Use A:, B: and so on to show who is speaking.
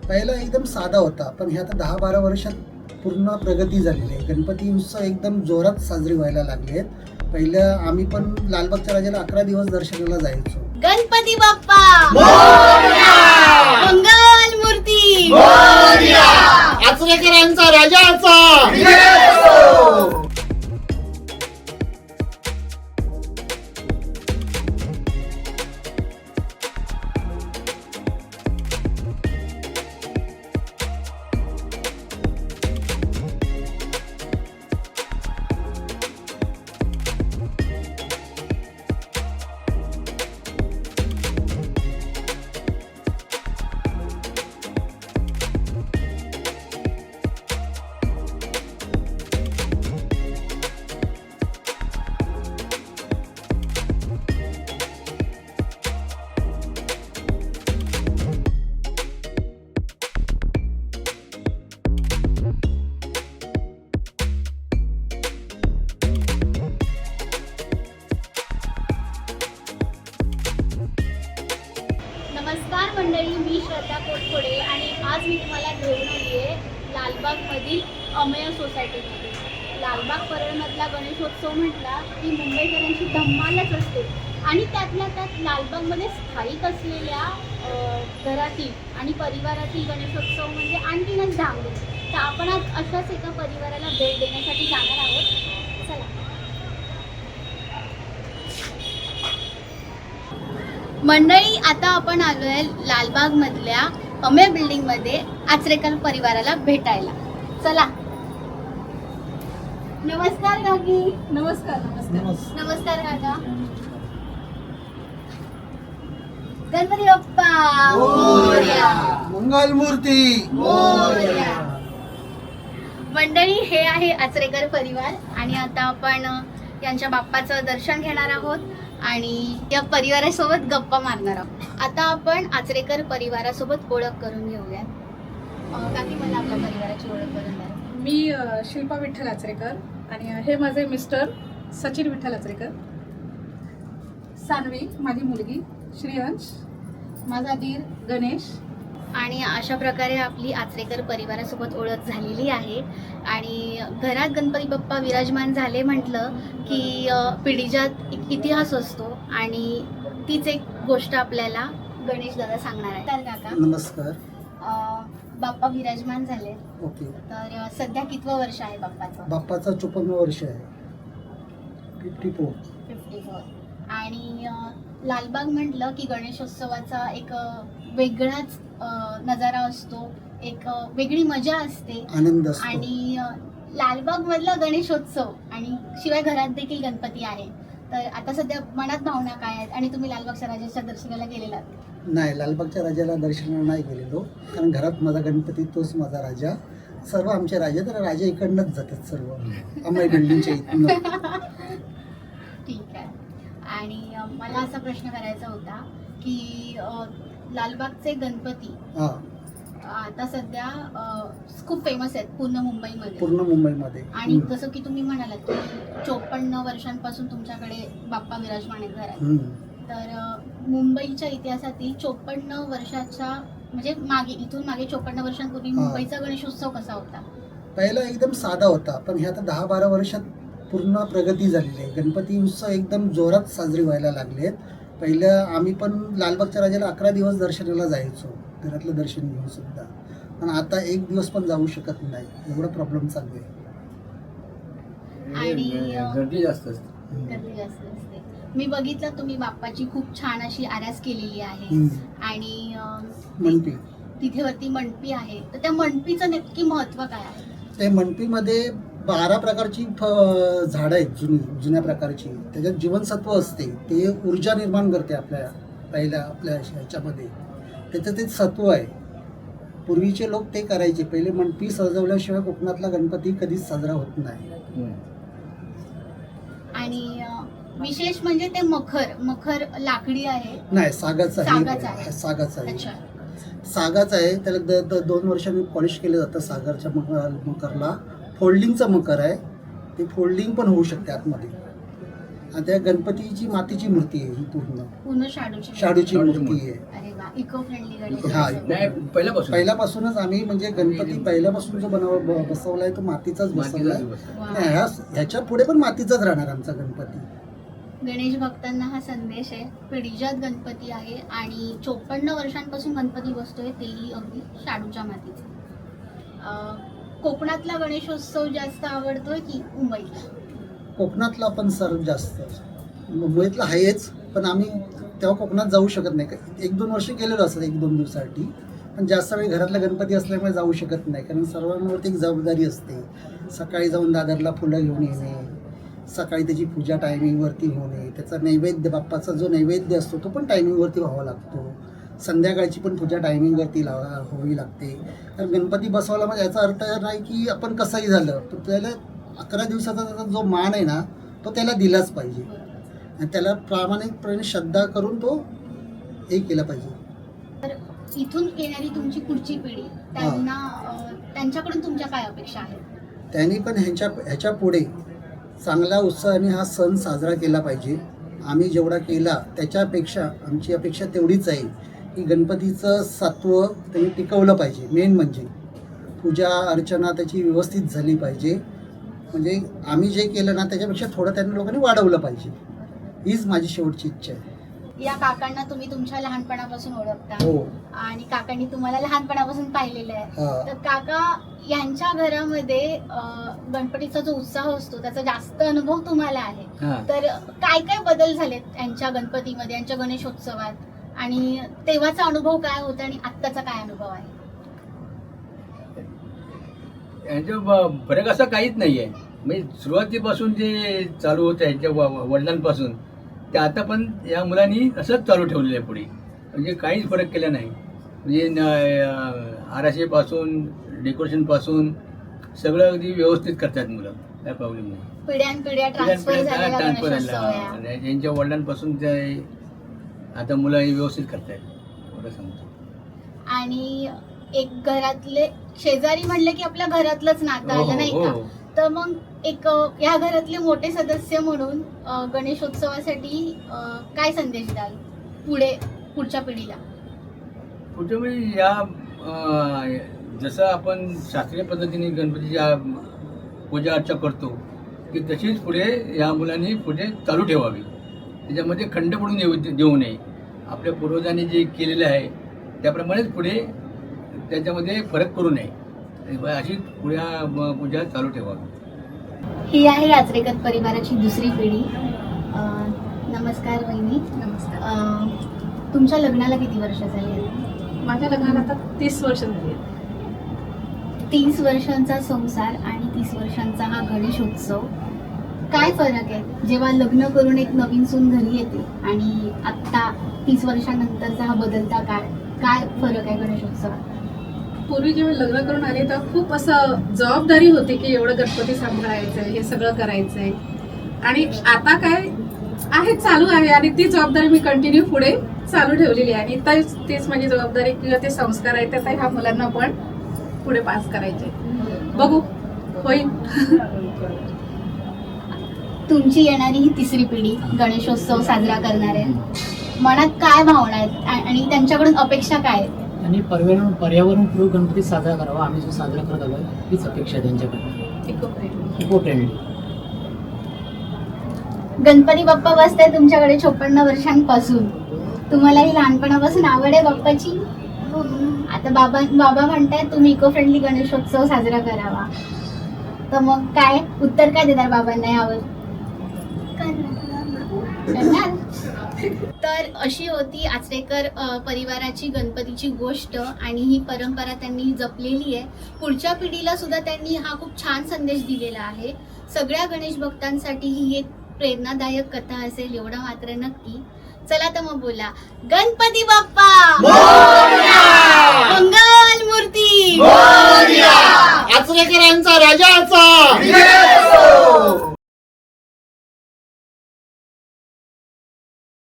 A: पहिला एकदम साधा होता, पण हे आता 10-12 वर्षात पूर्ण प्रगती झालेली आहे. गणपती उत्सव एकदम जोरात साजरे व्हायला लागले आहेत. पहिलं आम्ही पण लालबागच्या राजाला 11 दिवस दर्शनाला जायचो.
B: गणपती बाप्पा मोरया, मंगल मूर्ती मोरया,
A: आचरेकरांचा राजाचा
B: नमस्कार मंडळी, मी श्रद्धा कोटकोडे आणि आज मी तुम्हाला घेऊन आली आहे लालबागमधील अमेय सोसायटीमध्ये. लालबाग परळमधला गणेशोत्सव म्हटला की मुंबईकरांची धम्मालच असते आणि त्यातल्या त्यात लालबागमध्ये स्थायिक असलेल्या घरातील आणि परिवारातील गणेशोत्सव म्हणजे आणखीनच धामधूम. तर आपण आज अशाच एका परिवाराला भेट देण्यासाठी जाणार आहोत. चला. मंडळी, आता आपण आलो आहे लालबागमधल्या अमेय बिल्डिंगमध्ये आचरेकर परिवाराला भेटायला. चला. नमस्कार काकी.
C: नमस्कार. नमस्कार.
B: नमस्कार काका. गणपती बाप्पा मोरया,
A: मंगल मूर्ती
B: मोरया. मंडळी, हे आहे आचरेकर परिवार आणि आता आपण यांच्या बाप्पाचं दर्शन घेणार आहोत आणि या परिवारासोबत गप्पा मारणार आहोत. आता आपण आचरेकर परिवारासोबत ओळख करून घेऊया. काकी, मला आपल्या परिवाराची ओळख करून द्या.
C: मी शिल्पा विठ्ठल आचरेकर आणि हे माझे मिस्टर सचिन विठ्ठल आचरेकर. सानवी माझी मुलगी, श्रीहंश माझा दीर गणेश.
B: आणि अशा प्रकारे आपली आचरेकर परिवारासोबत ओळख झालेली आहे. आणि घरात गणपती बाप्पा विराजमान झाले म्हटलं की पिढीजात एक इतिहास असतो आणि तीच एक गोष्ट आपल्याला गणेश दादा सांगणार आहे. तर काका,
A: नमस्कार.
B: बाप्पा विराजमान झाले,
A: ओके.
B: तर सध्या कितवं वर्ष आहे बाप्पाचं?
A: बाप्पाचं 54 वर्ष आहे. 54.
B: 54. आणि लालबाग म्हटलं की गणेशोत्सवाचा एक वेगळाच नजारा असतो, एक वेगळी मजा असते,
A: आनंद असतो.
B: आणि लालबाग मधला गणेशोत्सव आणि शिवाय घरात देखील गणपती आहे. तर आता सध्या मनात भावना काय आहेत आणि तुम्ही लालबागच्या राजाच्या दर्शनाला गेलेलात?
A: नाही, लालबागच्या राजाला दर्शनाला नाही गेलेलो, कारण घरात माझा गणपती तोच माझा राजा. सर्व आमचे राजे तर राजा इकडनंच जातात, सर्व अमेय बिल्डिंगच्या इथनं.
B: ठीक आहे. आणि मला असा प्रश्न करायचा होता की लालबागचे गणपती
A: हा,
B: आता सध्या खूप फेमस आहेत पूर्ण मुंबईमध्ये.
A: पूर्ण मुंबईमध्ये.
B: आणि जसं की तुम्ही म्हणालात की 54 वर्षांपासून तुमच्याकडे बाप्पा विराजमान आहेत घरात. तर मुंबईच्या इतिहासातील 54 वर्षाच्या म्हणजे इथून मागे 54 वर्षांपूर्वी मुंबईचा गणेशोत्सव कसा होता?
A: पहिला एकदम साधा होता, पण हे आता 10-12 वर्षात पूर्ण प्रगती झालेली आहे. गणपती उत्सव एकदम जोरात साजरे व्हायला लागले आहेत. पहिलं आम्ही पण लालबागच्या राजाला 11 दिवस दर्शनाला जायचो, घरातलं दर्शन घेऊन सुद्धा, पण आता एक दिवस पण जाऊ शकत नाही, एवढा प्रॉब्लेम चालू आहे.
B: आणि
D: गर्दी जास्त असते.
B: गर्दी जास्त असते. मी बघितलं तुम्ही बाप्पाची खूप छान अशी आरास केलेली आहे. आणि
A: मंडपी,
B: तिथे वरती मंडपी आहे, तर त्या मंडपीचं नक्की महत्व काय आहे?
A: ते मंडपीमध्ये 12 प्रकारची झाडं आहेत, जुन्या प्रकारची. त्याच्यात जीवनसत्व असते, ते ऊर्जा निर्माण करते आपल्या ह्याच्यामध्ये. त्याचं ते सत्व आहे. पूर्वीचे लोक ते करायचे. पहिले मंडपी सजवल्याशिवाय कोकणातला गणपती कधीच साजरा होत नाही.
B: आणि विशेष म्हणजे ते मखर लाकडी आहे?
A: नाही, सागाचं आहे. सागाचं आहे. त्याला 2 वर्षांनी पॉलिश केलं जातं सागरच्या मकरला. फोल्डिंगचं मकर आहे, ते फोल्डिंग पण होऊ शकते आतमध्ये. आणि त्या गणपतीची मातीची मूर्ती आहे ही पूर्ण
B: शाडूची
A: शाडूची मूर्ती आहे.
B: अरे वा, इको फ्रेंडली गणेश
A: हा.
D: नाही,
A: पहिल्यापासूनच आम्ही म्हणजे गणपती पहिल्यापासून जो बसवलाय तो मातीचाच बसवलाय. ह्याच्या पुढे पण मातीचाच राहणार आमचा गणपती.
B: गणेश भक्तांना हा संदेश आहे, पिढीजात गणपती आहे आणि 54 वर्षांपासून गणपती बसतोय, तेही अगदी शाडूच्या मातीचा. कोकणातला गणेशोत्सव जास्त आवडतोय की मुंबईतला?
A: कोकणातला पण सर्व जास्त, मुंबईतला आहेच, पण आम्ही तेव्हा कोकणात जाऊ शकत नाही. 1-2 वर्ष गेलेलो असतात 1-2 दिवसासाठी, पण जास्त वेळ घरातला गणपती असल्यामुळे जाऊ शकत नाही, कारण सर्वांवरती एक जबाबदारी असते. सकाळी जाऊन दादरला फुलं घेऊन येणे, सकाळी त्याची पूजा टायमिंगवरती होणे, त्याचा नैवेद्य, बाप्पाचा जो नैवेद्य असतो तो पण टायमिंगवरती व्हावा लागतो. संध्याकाळची पण पूजा टायमिंगवरती व्हावी लागते. तर गणपती बसवायला म्हणजे याचा अर्थ नाही की आपण कसंही झालं तर त्याला 11 दिवसाचा त्याचा जो मान आहे ना तो त्याला दिलाच पाहिजे आणि त्याला प्रामाणिकपणे श्रद्धा करून तो हे केला पाहिजे.
B: तर इथून येणारी तुमची पुढची पिढी, त्यांच्याकडून तुमच्या काय अपेक्षा आहेत?
A: त्यांनी पण ह्याच्या पुढे चांगल्या उत्साहाने हा सण साजरा केला पाहिजे. आम्ही जेवढा केला त्याच्यापेक्षा आमची अपेक्षा तेवढीच आहे की गणपतीचं सत्व त्यांनी टिकवलं पाहिजे. मेन म्हणजे पूजा अर्चना त्याची व्यवस्थित झाली पाहिजे. म्हणजे आम्ही जे केलं ना त्याच्यापेक्षा थोडं त्यांनी लोकांनी वाढवलं पाहिजे, हीच माझी शेवटची इच्छा आहे.
B: या काकांना तुम्ही तुमच्या लहानपणापासून ओळखता
A: हो.
B: आणि काकांनी तुम्हाला लहानपणापासून पाहिलेलं आहे.
A: हा.
B: तर काका यांच्या घरामध्ये गणपतीचा जो उत्साह असतो त्याचा जास्त अनुभव तुम्हाला आहे. तर काय काय बदल झालेत यांच्या गणपतीमध्ये, यांच्या गणेशोत्सवात, आणि तेव्हाचा अनुभव काय होता आणि आत्ताचा काय अनुभव आहे?
D: यांच्या फरक असा काहीच नाही आहे. म्हणजे सुरुवातीपासून जे चालू होतं यांच्या वडिलांपासून ते आता पण या मुलांनी असंच चालू ठेवलेलं आहे पुढे. म्हणजे काहीच फरक केला नाही. म्हणजे आराशेपासून डेकोरेशनपासून सगळं अगदी व्यवस्थित करतात मुलं, काय प्रॉब्लेम नाही.
B: पिढ्यानपिढ्या ट्रान्सफर झालेला गणेशोत्सव आहे.
D: यांच्या वडिलांपासून ते आता मुलं हे व्यवस्थित करतायत, एवढं सांगतो.
B: आणि एक घरातले शेजारी म्हणलं की आपल्या घरातलंच नातं आलं नाही का? तर मग एक या घरातले मोठे सदस्य म्हणून गणेशोत्सवासाठी काय संदेश द्याल पुढच्या पिढीला?
D: पुढच्या म्हणजे या जसं आपण शास्त्रीय पद्धतीने गणपतीची पूजा अर्चा करतो की तशीच पुढे या मुलांनी पुढे चालू ठेवावी. त्याच्यामध्ये खंड पडून देऊ नये. आपल्या पूर्वजांनी जे केलेलं आहे त्याप्रमाणेच पुढे त्याच्यामध्ये फरक करू नये, अशी पुढे पूजा चालू ठेवावी.
B: ही आहे यात्रेकर परिवाराची दुसरी पिढी. नमस्कार वहिनी.
C: नमस्कार.
B: तुमच्या लग्नाला किती वर्ष झाली?
C: माझ्या लग्नाला आता 30 वर्ष झाली.
B: 30 वर्षांचा संसार आणि 30 वर्षांचा हा गणेशोत्सव, काय फरक आहे जेव्हा लग्न करून एक नवीन सून घरी येते आणि आत्ता 30 वर्षांनंतरचा हा बदलता काळ, काय फरक आहे गणेशोत्सवात?
C: पूर्वी जेव्हा लग्न करून आले तेव्हा खूप असं जबाबदारी होती की एवढं गणपती सांभाळायचं आहे, हे सगळं करायचं आहे. आणि आता काय आहे, चालू आहे आणि ती जबाबदारी मी कंटिन्यू पुढे चालू ठेवलेली आहे. आणि तीच माझी जबाबदारी किंवा ते संस्कार आहेत त्या ह्या मुलांना पण पुढे पास करायचे. बघू, होईल.
B: तुमची येणारी ही तिसरी पिढी गणेशोत्सव साजरा करणार आहे, मनात काय भावना आहेत आणि त्यांच्याकडून अपेक्षा काय आहेत?
E: आणि पर्यावरणपूर्वक गणपती साजरा करावा. आम्ही जो साजरा करत आलो हीच अपेक्षा आहे त्यांच्याकडनं. Eco friendly.
B: गणपती बाप्पा बसताय तुमच्याकडे 54 वर्षांपासून. तुम्हालाही लहानपणापासून आवड आहे बाप्पाची. आता बाबा म्हणतायत तुम्ही इको फ्रेंडली गणेशोत्सव साजरा करावा, तर मग काय उत्तर काय देणार बाबांना यावर? तर अशी होती आचरेकर परिवाराची गणपतीची गोष्ट आणि ही परंपरा त्यांनी जपलेली आहे. पुढच्या पिढीला सुद्धा त्यांनी हा खूप छान संदेश दिलेला आहे. सगळ्या गणेश भक्तांसाठी ही एक प्रेरणादायक कथा असेल एवढं मात्र नक्की. चला तर मग बोला, गणपती बाप्पा मंगल मूर्ती,
A: आचरेकरांचा राजाचा